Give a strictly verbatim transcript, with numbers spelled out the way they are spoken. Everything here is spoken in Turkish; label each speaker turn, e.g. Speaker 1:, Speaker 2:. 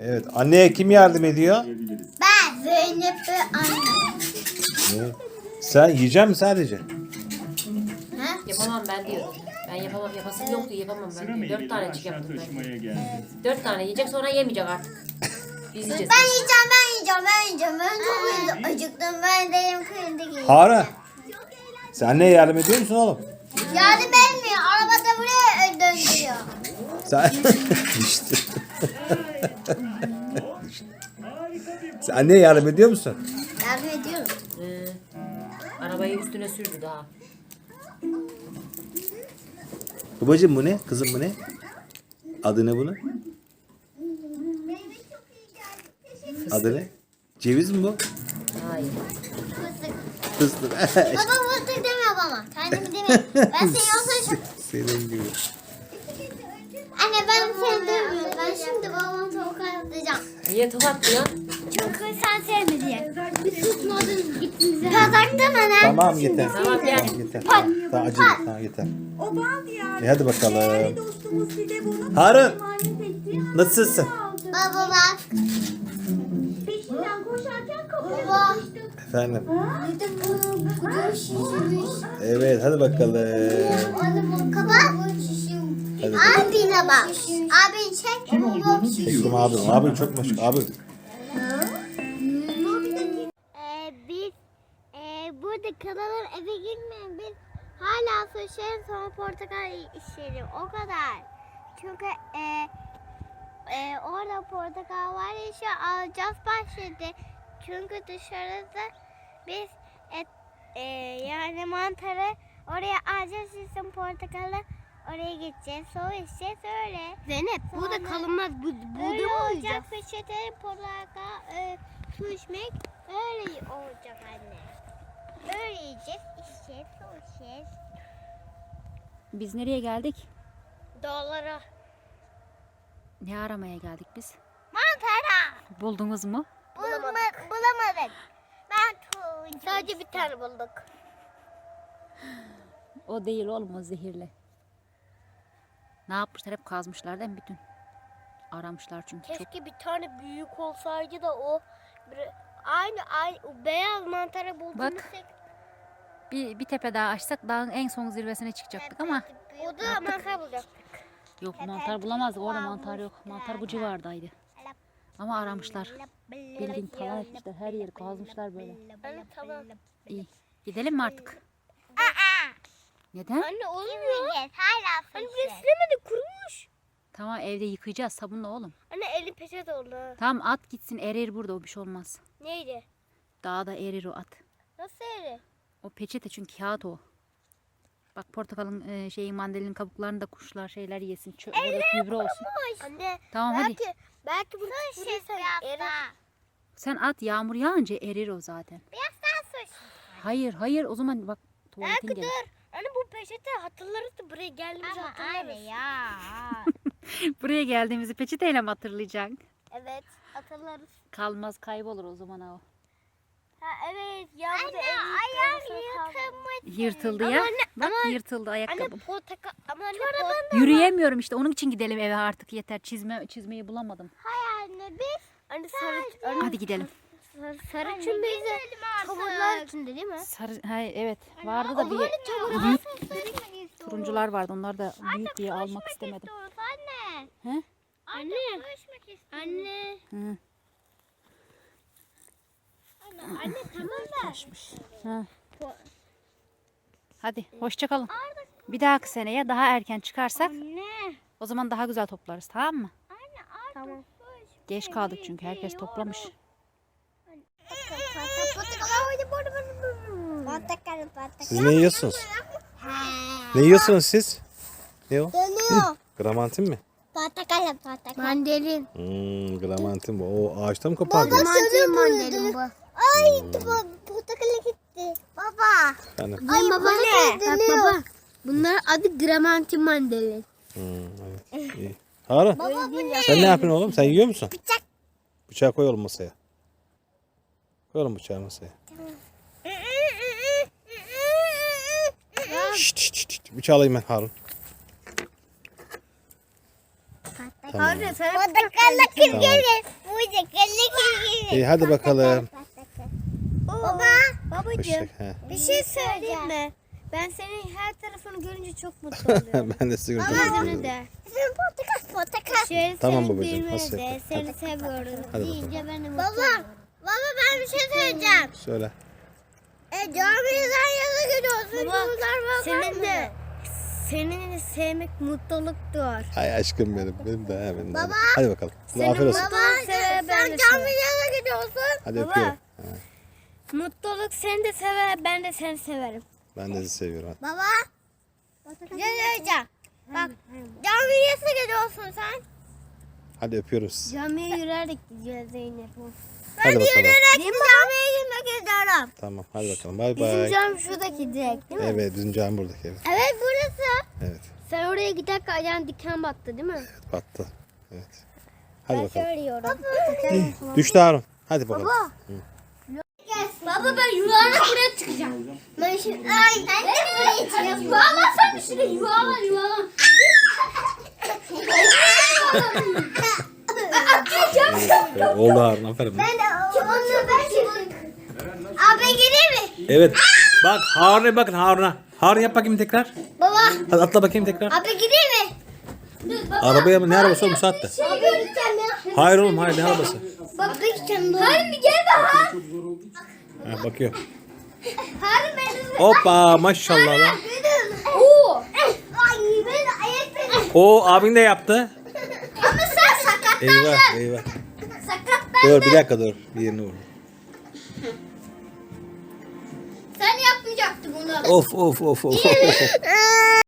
Speaker 1: Evet. Anneye kim yardım ediyor?
Speaker 2: Ben. Zeynep ve anne.
Speaker 1: Ne? Sen yiyecek misin sadece?
Speaker 2: Ha?
Speaker 3: Yapamam ben diyorum. Ben yapamam. Yapasım yoktu. Yapamam ben diyor. Dört tanecik yaptım ben. Dört tane yiyecek sonra yemeyecek artık. Biz yiyeceğiz.
Speaker 2: Ben yiyeceğim, ben yiyeceğim, ben yiyeceğim. Ben çok acı- acıktım. Ben de yemek yerinde yiyeceğim.
Speaker 1: Harun. Sen anneye yardım ediyor musun oğlum?
Speaker 2: Yardım etmiyor. Arabada buraya döndürüyor.
Speaker 1: Sen işte. Sen anneye yardım ediyor musun?
Speaker 2: Yardım ediyorum.
Speaker 3: Ee, arabayı üstüne sürdü daha.
Speaker 1: Babacığım bu ne? Kızım bu ne? Adı ne bunun? Adı ne? Ceviz mi bu?
Speaker 3: Hayır.
Speaker 2: Fıstık.
Speaker 1: Fıstık.
Speaker 2: Baba fıstık demiyor bana. Kendimi demiyor. Ben seni olsaydım.
Speaker 1: Senin gibi.
Speaker 2: Anne ben seni demiyorum. Ben şimdi babamı tokatlayacağım.
Speaker 3: Niye tokatlıyorsun?
Speaker 2: Çünkü sen sevme diye. Bir tutmadın gittiniz. Kazaktan anne.
Speaker 1: Tamam yeter.
Speaker 3: Tamam gel.
Speaker 1: Tamam yeter. Tamam acele tamam yeter.
Speaker 4: O bal diyarı.
Speaker 1: E hadi bakalım.
Speaker 4: Değerli dostumuz Fidebu'nun
Speaker 1: Harun.
Speaker 4: emanet ettiği
Speaker 1: Nasılsın?
Speaker 2: Baba bak.
Speaker 4: peşinden koşarken kapıya
Speaker 2: Baba.
Speaker 4: sıkıştı.
Speaker 1: Efendim.
Speaker 2: Bir de bu kucağı şişirmiş.
Speaker 1: Evet hadi bakalım.
Speaker 2: Kapat.
Speaker 1: Hadi.
Speaker 2: Abine bak. Abin çek.
Speaker 1: Çektim abim. Abim çok meşgul. Abim.
Speaker 2: Ee, biz e, burada kalalım eve girmeyin. Biz hala suçların sonra portakal işleri o kadar. Çünkü e, e, orada portakal var ya şu alacağız başladı. Çünkü dışarıda biz et, e, yani mantarı oraya alacağız sizin portakalı oraya gideceğiz. Sonra içeceğiz öyle. Zeynep burada kalınmaz. Bu, burada mı olacak? Peçete, portakal, e, su içmek öyle olacak anne. Öyle yiyeceğiz, içeceğiz, su içeceğiz.
Speaker 5: Biz nereye geldik?
Speaker 2: Dolara.
Speaker 5: Ne aramaya geldik biz?
Speaker 2: Mantara.
Speaker 5: Buldunuz mu?
Speaker 2: Bulamadık. Bulamadık. Ben turuncu. Sadece bir tane bulduk.
Speaker 5: O değil oğlum, o zehirli. Ne yapmışlar? Hep kazmışlar değil mi bütün? Aramışlar çünkü çok.
Speaker 2: Keşke bir tane büyük olsaydı da o bir, aynı aynı o beyaz mantara bulduğumuz
Speaker 5: Bak. Bir, bir tepe daha açsak dağın en son zirvesine çıkacaktık ama
Speaker 2: o da mantar bulacaktık.
Speaker 5: yok, mantar bulamazdık. Orada mantar yok. Mantar bu civardaydı. Ama aramışlar. Bildiğin talan etmişler. Her yeri kazmışlar böyle.
Speaker 2: Anne tamam.
Speaker 5: İyi. Gidelim mi artık? Neden?
Speaker 2: Anne olmuyor. Hala Anne bir silemedi kurumuş.
Speaker 5: Tamam, evde yıkayacağız sabunla oğlum.
Speaker 2: Anne eli peçete oldu.
Speaker 5: Tamam, at gitsin, erir burada, o bir şey olmaz.
Speaker 2: Neydi?
Speaker 5: Dağda erir o at.
Speaker 2: Nasıl eri?
Speaker 5: O peçete çünkü kağıt o. Bak portakalın e, şeyi mandalinin kabuklarını da kuşlar şeyler yesin. Çö böyle gübre olsun.
Speaker 2: Anne
Speaker 5: Tamam hadi.
Speaker 2: belki belki bunu tükürürsen erir.
Speaker 5: Sen at, yağmur yağınca erir o zaten.
Speaker 2: Biraz daha sus.
Speaker 5: Hayır hayır, o zaman bak tuvaletin
Speaker 2: Belki
Speaker 5: gelir.
Speaker 2: dur. Anne bu peçete hatırlarız da buraya geldiğimizi hatırlarız. Anne ya.
Speaker 5: Buraya geldiğimizi peçeteyle mi hatırlayacaksın?
Speaker 2: Evet hatırlarız.
Speaker 5: Kalmaz, kaybolur o zaman o.
Speaker 2: Ha evet yağmurda ayağım yırtılmış.
Speaker 5: Yırtıldı
Speaker 2: Ama
Speaker 5: ya.
Speaker 2: anne,
Speaker 5: Bak
Speaker 2: ama-
Speaker 5: yırtıldı
Speaker 2: Anne
Speaker 5: ayakkabım.
Speaker 2: portakal ama anne portakal.
Speaker 5: Yürüyemiyorum işte, onun için gidelim eve artık, yeter. Çizme çizmeyi bulamadım.
Speaker 2: Hayır anne biz. Anne sarı. Anne,
Speaker 5: Hadi gidelim.
Speaker 2: sarı, sarı için bize tavırlar içinde değil mi?
Speaker 5: Sarı, hayır, evet vardı da bir büyük turuncular vardı, onlar da büyük diye almak istemedim.
Speaker 2: Anne.
Speaker 5: He?
Speaker 2: Anne. Anne.
Speaker 5: Hı.
Speaker 2: Anne tamam da.
Speaker 5: Ha. Hadi hoşça kalın. Bir dahaki seneye daha erken çıkarsak
Speaker 2: Anne.
Speaker 5: o zaman daha güzel toplarız, tamam mı?
Speaker 2: Anne artık. Tamam.
Speaker 5: Geç kaldık çünkü herkes toplamış.
Speaker 1: Siz ne yiyorsunuz? Ne yiyorsunuz siz? Ne o?
Speaker 2: Dönüyor.
Speaker 1: Gramantin mi?
Speaker 2: Portakal portakal. Mandalin.
Speaker 1: Hmm, gramantin bu. O ağaçta mı kopardın?
Speaker 2: Mandalin mandalin bu. Ay portakala gitti. Baba.
Speaker 1: Efendim?
Speaker 2: Ay baba ne? Bak baba. Bunlar adı gramantin mandalin.
Speaker 1: Hmm, evet. İyi. Harun,
Speaker 2: Baba bu ne?
Speaker 1: sen ne yapıyorsun oğlum? Sen yiyor musun?
Speaker 2: Bıçak.
Speaker 1: Bıçağı koy oğlum masaya. Koy oğlum bıçağı masaya. Şşt şşt şşt. Bıçağı alayım ben Harun. Tamam.
Speaker 2: Portakalla kim gelir?
Speaker 1: İyi hadi bakalım.
Speaker 2: Baba, babacığım
Speaker 1: Hoşça- he.
Speaker 2: bir şey söyleyeyim mi? Ben senin her tarafını görünce çok mutlu oluyorum.
Speaker 1: Ben de sizi görünce
Speaker 2: Yüzünü
Speaker 1: mutlu oluyorum.
Speaker 2: de. Senin portakal portakal. Şöyle
Speaker 1: Tamam
Speaker 2: senin
Speaker 1: babacığım,
Speaker 2: düğmeni
Speaker 1: hasret
Speaker 2: de.
Speaker 1: et.
Speaker 2: Seni seviyorum.
Speaker 1: Hadi
Speaker 2: Deyince ben de mutlu Baba, baba ben bir şey söyleyeceğim.
Speaker 1: Söyle.
Speaker 2: E camiden yana gidiyorsun. Baba, senin de senin sevmek mutluluktur.
Speaker 1: Ay aşkım benim. Benim de he benim de.
Speaker 2: Baba.
Speaker 1: Hadi bakalım.
Speaker 2: Senin
Speaker 1: Afiyet olsun.
Speaker 2: baba sen camiden gidiyorsun.
Speaker 1: Hadi
Speaker 2: Baba.
Speaker 1: öpüyorum.
Speaker 2: Mutluluk seni de sever, ben de seni severim.
Speaker 1: Ben de sizi seviyorum. Hadi.
Speaker 2: Baba. Ne söyleyeceğim? Bak camiye nasıl gidiyorsun sen?
Speaker 1: Hadi öpüyorum sizi.
Speaker 2: Camiye yürüyerek gideceğiz Zeynep.
Speaker 1: Hadi bakalım.
Speaker 2: Yürüyerek camiye girmek istiyorum.
Speaker 1: Tamam hadi bakalım. Bay
Speaker 2: Bizim
Speaker 1: bay.
Speaker 2: cami şuradaki direkt değil mi?
Speaker 1: Evet bizim cami buradaki evet.
Speaker 2: Evet burası.
Speaker 1: Evet.
Speaker 2: Sen oraya giderken ayağın diken battı değil mi?
Speaker 1: Battı. Evet. Hadi bakalım.
Speaker 2: Söylüyorum.
Speaker 1: Düştü Harun. Hadi bakalım.
Speaker 2: Baba. Baba ben yuvarlak buraya çıkacağım. Ben şimdi ay ben de buraya çıkacağım. Baba sen şuraya yuvarlan yuvarlan.
Speaker 1: Evet, oldu Harun aferin.
Speaker 2: Ben de onu ben şimdi. Abi gireyim mi?
Speaker 1: Evet. Bak Harun'a bakın Harun'a. Harun yap bakayım tekrar.
Speaker 2: Baba.
Speaker 1: Hadi atla bakayım tekrar.
Speaker 2: Abi gireyim mi?
Speaker 1: Arabaya mı? Ne arabası oğlum bu saatte?
Speaker 2: Abi gideceğim ya.
Speaker 1: Hayır oğlum hayır ne arabası?
Speaker 2: Bak gideceğim. Hayır bir gel daha.
Speaker 1: Ha, bakıyor.
Speaker 2: Hayır benim.
Speaker 1: Hoppa maşallah lan.
Speaker 2: Oo. Ay ben ayak
Speaker 1: O abin de yaptı.
Speaker 2: Ama sen sakatlandın.
Speaker 1: Eyvah eyvah.
Speaker 2: Sakatlandın.
Speaker 1: Dur bir dakika dur. Bir yerini vur.
Speaker 2: Sen yapmayacaktın bunu.
Speaker 1: Of of of of. of.